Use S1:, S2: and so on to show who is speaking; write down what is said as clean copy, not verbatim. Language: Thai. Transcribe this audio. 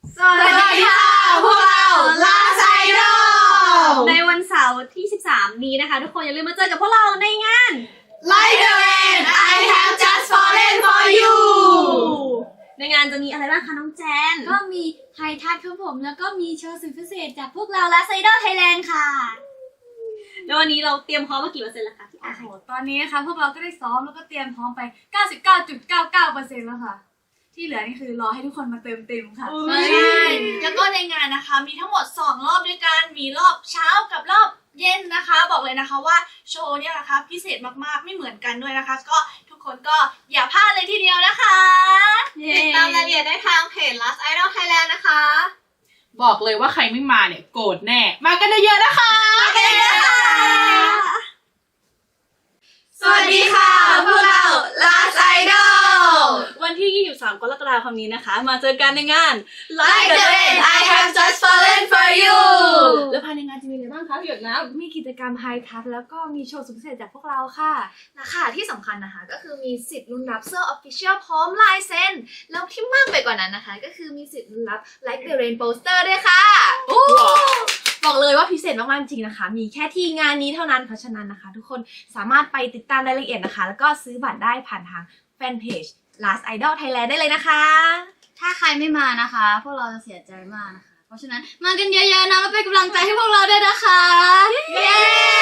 S1: สวัสดีค่ะพวกเรา Last Idol
S2: ในวันเสาร์ที่ 13 นี้นะคะ ทุกคนอย่าลืมมาเจอกับพวกเราในงาน
S1: Like the rain I have just fallen for you
S2: ในงานจะมีอะไรบ้างคะน้องแจน
S3: ก็มีไฮทัชครับผมแล้วก็มีโชว์สุดพิเศษจากพวกเรา Last Idol Thailand ค่ะ
S2: แล้ววันนี้เราเตรียมพร้อมมากี่เปอร์เซ็นต์แล้วคะพี่
S3: โอ้
S2: อา
S3: โหตอนนี้นะคะพวกเราก็ได้ซ้อมแล้วก็เตรียมพร้อมไป 99.99% แล้วค่ะ ที่เหลือนี่คือรอให้ทุกคนมาเติมเต็มค่ะ
S1: ใช่แล้วก็ในงานนะคะมีทั้งหมด2รอบด้วยกันมีรอบเช้ากับรอบเย็นนะคะ บอกเลยนะคะว่าโชว์เนี่ยนะคะพิเศษมากๆไม่เหมือนกันด้วยนะคะ ก็ทุกคนก็อย่าพลาดเลยทีเดียวนะคะติดตามรายละเอียดได้ทางเพจ Last Idol Thailand นะคะ
S4: บอกเลยว่าใครไม่มาเนี่ยโกรธแน่ มากันเยอะๆนะคะ
S1: สวัสดีค่ะพวกเรา Last Idol
S2: วันที่ 23 กรกฎาคมนี้นะคะ มาเจอกันในงาน
S1: Like the rain I have just fallen for you
S2: แล้วภายในงานจะมีอะไรบ้างคะพี่หยดน้ำ
S3: มีกิจกรรมไฮทัชแล้วก็มีโชว์สุดพิเศษจากพวกเราค่ะ
S1: นะคะที่สำคัญนะคะก็คือมีสิทธิ์ลุ้นรับเสื้อ Official พร้อมลายเซ็นแล้วที่มากไปกว่านั้นนะคะก็คือมีสิทธิ์ลุ้นรับ Like the Rain Poster ด้วยค่ะ
S5: บอกเลยว่าพิเศษมากๆจริงนะคะ มีแค่ที่งานนี้เท่านั้น เพราะฉะนั้นนะคะ ทุกคนสามารถไปติดตามรายละเอียดนะคะ แล้วก็ซื้อบัตรได้ผ่านทางแฟนเพจ Last Idol Thailand ได้เลยนะคะ
S3: ถ้าใครไม่มานะคะ พวกเราจะเสียใจมากนะคะ เพราะฉะนั้นมากันเยอะๆนะแล้วเป็นกำลังใจให้พวกเราด้วยนะคะ
S1: เย้